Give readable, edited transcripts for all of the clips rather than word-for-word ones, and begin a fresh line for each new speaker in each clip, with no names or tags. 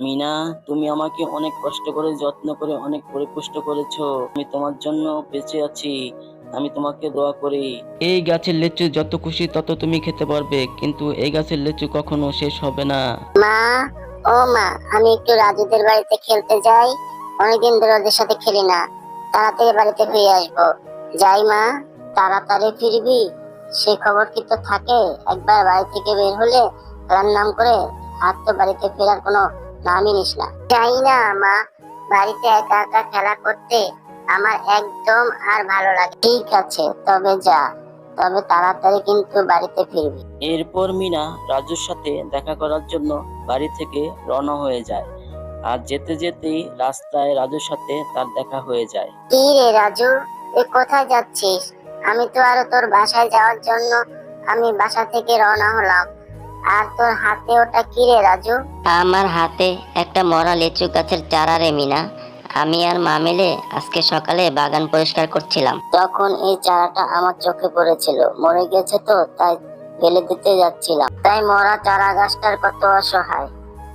মিনা, তুমি আমাকে অনেক কষ্ট করে যত্ন করে অনেক পরিপুষ্ট করেছো। আমি তোমার জন্য বেঁচে আছি। আমি তোমাকে দোয়া করি। এই গাছের লিচু যত খুশি তত তুমি খেতে পারবে, কিন্তু এই গাছের লিচু কখনো শেষ হবে না।
মা, ও মা, আমি একটু রাজুদের বাড়িতে খেলতে যাই। অনেকদিন ধরে ওদের সাথে খেলি না। তাড়াতাড়ি বাড়িতে ফিরে আসবো। যাই মা। তাড়াতাড়ি ফিরবি, সে খবর কি তো থাকে? একবার বাড়ি থেকে বের হলে তার নাম করে আর তো বাড়িতে ফেরার কোনো নামই নিস না। যাই না মা, বাড়িতে একা একা খেলা করতে আমার একদম আর ভালো লাগে। ঠিক আছে, তবে যা, তবে তাড়াতাড়ি কিন্তু বাড়িতে ফিরবি।
এরপর মিনা রাজুর সাথে দেখা করার জন্য বাড়ি থেকে রওনা হয়ে যায়। আর যেতে যেতেই রাস্তায় রাজুর সাথে তার দেখা হয়ে যায়।
কি রে রাজু, তুই কোথায় যাচ্ছিস? আমি তো আরো তোর বাসায় যাওয়ার জন্য আমি বাসা থেকে রওনা হলাম। আর তোর হাতে ওটা কি রে রাজু?
আমার হাতে একটা মরা লিচু গাছের চারা রে মিনা। আমি আর মা মিলে আজকে সকালে বাগান পরিষ্কার করছিলাম।
তখন এই চারাটা আমার চোখে পড়েছিল, মরে গেছে তো তাই ফেলে দিতে যাচ্ছিলাম। তাই মরা চারা গাছটার কত অসহায়,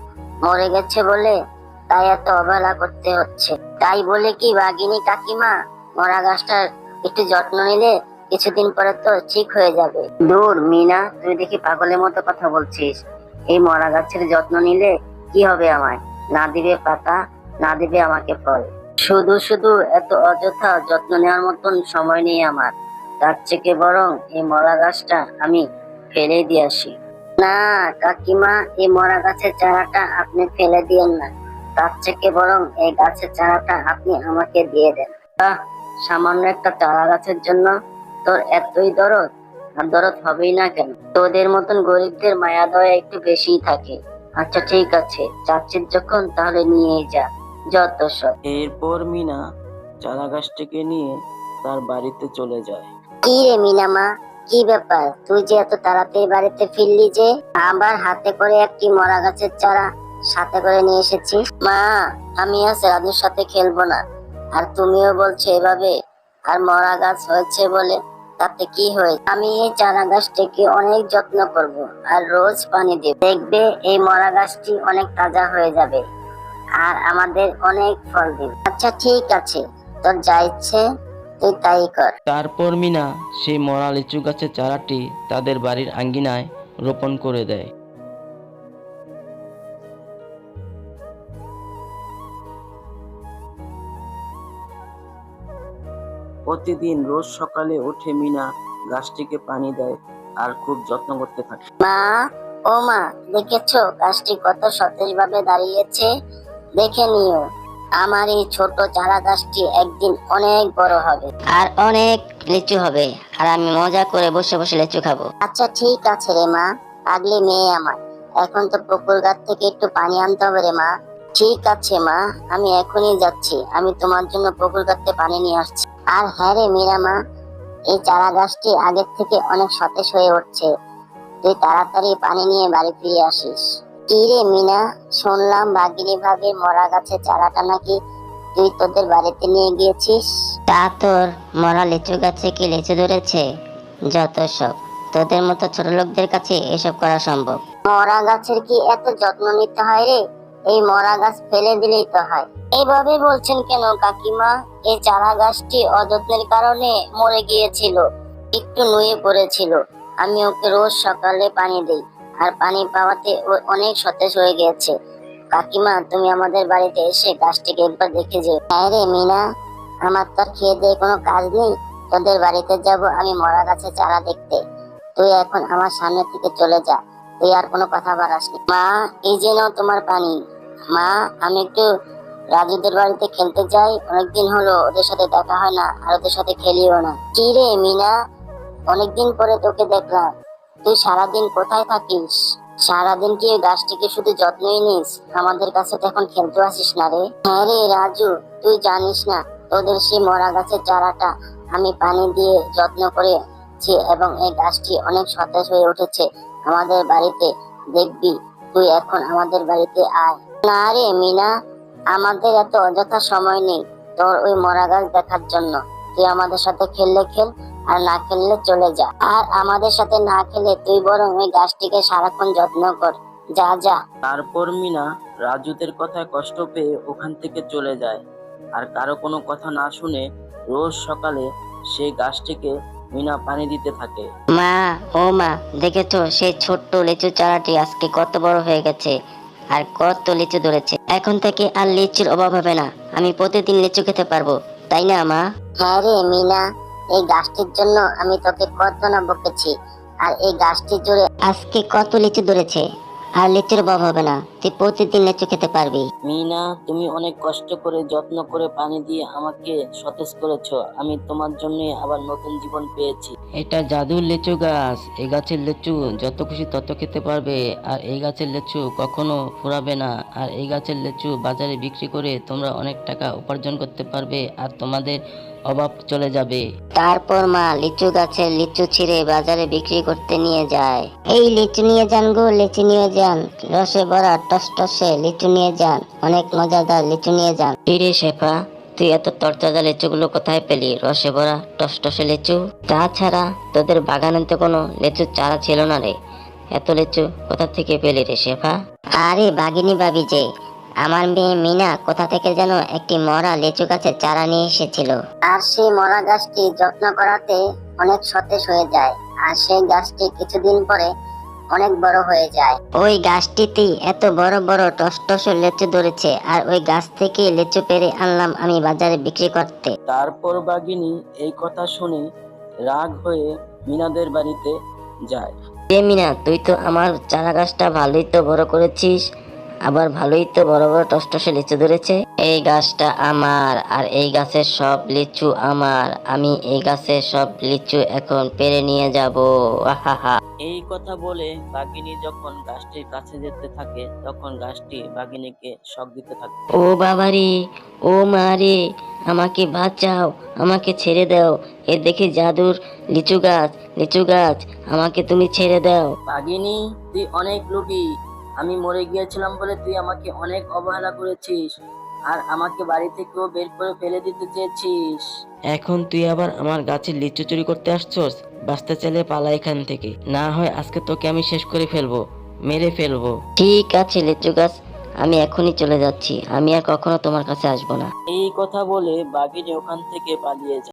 মরে গেছে বলে তাই এত অবহেলা করতে হচ্ছে। তাই বলে কি বাঘিনী কাকিমা, মরা গাছটার একটু যত্ন নিলে কিছুদিন পরে তো ঠিক হয়ে যাবে। দূর মিনা, তুই দেখি পাগলের মতো কথা বলছিস। এই মরা গাছের যত্ন নিলে কি হবে আমায়? না দিবে পাতা, না দিবে আমাকে ফল। শুধু শুধু এত অযথা যত্ন নেওয়ার মতন সময় নেই আমার। তার থেকে বরং এই মরা গাছটা আমি ফেলে দিয়ে আসি। না কাকিমা, এই মরা গাছের চারাটা আপনি ফেলে দিয়েন না। তার থেকে বরং এই গাছের চারাটা আপনি আমাকে দিয়ে দেন। আহ, সামান্য একটা চারা গাছের জন্য তোর এতই দরদ? আর দরদ হবেই না কেন? তোদের মতন গরিবদের মায়া দয়া একটু বেশিই থাকে। আচ্ছা ঠিক আছে, চাচ্ছিস যখন তাহলে নিয়েই যা, যত সব।
এরপর মিনা চারা গাছটিকে নিয়ে তার বাড়িতে চলে যায়।
কি রে মিনা মা, কি ব্যাপার? তুই যে এত তাড়াতাড়ি বাড়িতে ফিরলি যে, আবার হাতে করে একটি মরা গাছের চারা সাথে করে নিয়ে এসেছিস? মা, আমি আজ রাজুর সাথে খেলবো না। আর তুমিও বলছো এভাবে। আর মরা গাছ হয়েছে বলে তাতে কি হয়েছে? আমি এই চারা গাছটিকে অনেক যত্ন করব আর রোজ পানি দেব। দেখবে এই মরা গাছটি অনেক তাজা হয়ে যাবে আর আমাদের অনেক ফল দিবে। আচ্ছা ঠিক আছে, তোর যা ইচ্ছে তুই তাই কর।
তারপর মিনা সেই মরা লিচু গাছের চারাটি তাদের বাড়ির আঙ্গিনায় রোপণ করে দেয়। প্রতিদিন রোজ সকালে উঠে মিনা গাছটিকে পানি দেয় আর খুব যত্ন করতে থাকে।
মা, ও মা, দেখেছো গাছটি কত সতেজ ভাবে দাঁড়িয়েছে? দেখে নিও, আমার এই ছোট চারা গাছটি একদিন অনেক বড় হবে।
আর অনেক লিচু হবে, আর আমি মজা করে বসে বসে লিচু খাবো।
আচ্ছা ঠিক আছে রে মা, পাগলি মেয়ে আমার। এখন তো পুকুর ঘাট থেকে একটু পানি আনতে হবে রে মা। ঠিক আছে মা, আমি এখনই যাচ্ছি। আমি তোমার জন্য পুকুর ঘাট থেকে পানি নিয়ে আসছি। আর হ্যাঁ রে মীরা মা, এই চারা গাছটি আগের থেকে অনেক সতেজ হয়ে উঠছে। তুই তাড়াতাড়ি পানি নিয়ে বাড়ি ফিরে আসিস। কি রে মিনা, শুনলাম বাঘিনী ভাবে মরা গাছের চারাটা নাকি তুই তোদের বাড়িতে নিয়ে গিয়েছিস?
তা তোর মরা লিচু গাছে কি লিচু ধরেছে? যত সব, তোদের মতো ছোট লোকদের কাছে এসব করা সম্ভব?
মরা গাছের কি এত যত্ন নিতে হয় রে? এই মরা গাছ ফেলে দিলেই তো হয়। এইভাবে বলছেন কেন কাকিমা? এই চারা গাছটি অযত্নের কারণে মরে গিয়েছিল, একটু নুয়ে পড়েছিল। আমি ওকে রোজ সকালে পানি দেই, আর পানি পাওয়াতে ও অনেক সতেজ হয়ে গেছে। কাকিমা, তুমি আমাদের বাড়িতে এসে গাছটিকে একবার দেখে যেও। হ্যাঁ রে মিনা, আমার তো আর খেয়ে দিয়ে কোনো কাজ নেই। তোদের বাড়িতে যাব আমি মরা গাছের চারা দেখতে। তুই এখন আমার সামনে থেকে চলে যা, তুই আর কোনো কথা বাড়াস না। মা, এই যে নাও তোমার পানি। মা, আমি একটু রাজুদের বাড়িতে খেলতে যাই। অনেকদিন হলো ওদের সাথে দেখা হয় না, আর ওদের সাথে খেলিও না। কি রে মিনা, অনেকদিন পরে তোকে দেখলাম। তুই সারাদিন কোথায় থাকিস? সারাদিন কি ওই গাছটিকে শুধু যত্নই নিস? আমাদের কাছে তো এখন খেলতে আসিস না রে। হ্যাঁ রে রাজু, তুই জানিস না তোদের সেই মরা গাছের চারাটা আমি পানি দিয়ে যত্ন করেছি এবং এই গাছটি অনেক সতেজ হয়ে উঠেছে আমাদের বাড়িতে। দেখবি, তুই এখন আমাদের বাড়িতে আয়। না রে মিনা, আমাদের এত অযথা সময় নেই তোর ওই মরা গাছ দেখার জন্য। তুই আমাদের সাথে খেললে খেল, আর না খেললে চলে যা। আর আমাদের সাথে না খেলে তুই বরং ওই গাছটিকে সারাক্ষণ যত্ন কর। যা যা।
তারপর মিনা রাজুদের কথায় কষ্ট পেয়ে ওখান থেকে চলে যায়। আর কারো কোনো কথা না শুনে রোজ সকালে সেই গাছটিকে মিনা পানি দিতে থাকে।
মা, ও মা, দেখেছো সেই ছোট্ট লিচু চারাটি আজকে কত বড় হয়ে গেছে আর কত লিচু ধরেছে। এখন থেকে আর লিচুর অভাব হবে না, আমি প্রতিদিন লিচু খেতে পারবো, তাই না মা?
হ্যাঁ রে মিনা, এই গাছটির জন্য আমি তোকে কত না বকেছি, আর এই গাছটি জুড়ে
আজকে কত লিচু ধরেছে, আর লিচুর অভাব হবে না, তুই প্রতিদিন লিচু খেতে পারবি।
মিনা, তুমি অনেক কষ্ট করে যত্ন করে পানি দিয়ে আমাকে সতেজ করেছো। আমি তোমার জন্য আবার নতুন জীবন পেয়েছি। এটা জাদুর লিচু গাছ। এই গাছের লিচু যত খুশি তত খেতে পারবে, আর এই গাছের লিচু কখনো ফুরাবে না। আর এই গাছের লিচু বাজারে বিক্রি করে তোমরা অনেক টাকা উপার্জন করতে পারবে, আর তোমাদের অভাব চলে যাবে।
তারপর মা লিচু গাছের লিচু ছিঁড়ে বাজারে বিক্রি করতে নিয়ে যায়। এই লিচু নিয়ে যান গো, লিচু নিয়ে যান, রসে ভরা টসটসে লিচু নিয়ে যান, অনেক মজাদার লিচু নিয়ে যান। রে শেফা, তুই এত তরতাজা লিচুগুলো কোথায় পেলি? রসে ভরা টসটসে লিচু? তাছাড়া তোদের বাগানে তো কোনো লিচুর চারা ছিল না রে, এত লিচু কোথা থেকে পেলি রে শেফা? আরে বাগিনী ভাবি যে, আমার মেয়ে মিনা কোথা থেকে যেন একটি মরা লিচু গাছের চারা নিয়ে এসেছিল।
আর সেই মরা গাছটি যত্ন করাতে অনেক সতেজ হয়ে যায়, আর সেই গাছটি কিছুদিন পরে অনেক বড় হয়ে যায়।
ওই গাছটিতে এত বড় বড় টসটসে লিচু ধরেছে, আর ওই গাছ থেকে লিচু পেড়ে আনলাম আমি বাজারে বিক্রি করতে।
তারপর বাঘিনী এই কথা শুনে রাগ হয়ে মিনাদের বাড়িতে যায়।
এ মিনা, তুই তো আমার চারা গাছটা ভালোই তো বড় করেছিস, আবার ভালোই তো বড় বড় টসটসে লিচু ধরেছে। এই গাছটা আমার, আর এই গাছের সব লিচু আমার, আমি এই গাছের সব লিচু এখন পেড়ে নিয়ে যাব। আহাহা।
এই কথা বলে বাঘিনী যখন গাছটির কাছে যেতে থাকে, তখন গাছটি বাঘিনীকে শক দিতে থাকে।
ও বাবারে, ও মা রে, আমাকে বাঁচাও, আমাকে ছেড়ে দাও, এ দেখি জাদুর লিচু গাছ, লিচু গাছ, আমাকে তুমি ছেড়ে দাও।
বাঘিনী, তুই অনেক লোভী। আমি মরে গিয়েছিলাম বলে তুই আমাকে অনেক অবহেলা করেছিস, আর আমাকে বাড়ি থেকেও বের করে ফেলে দিতে চেয়েছিস। এখন তুই আবার আমার গাছের লিচু চুরি করতে আসছস? বাঁচতে চাইলে পালা এখান থেকে, না হয় আজকে তোকে আমি শেষ করে ফেলবো, মেরে ফেলবো।
ঠিক আছে লিচু গাছ, আমি এখনই চলে যাচ্ছি, আমি আর কখনো তোমার কাছে আসবো না।
এই কথা বলে বাঘিনী ওখান থেকে পালিয়ে যায়।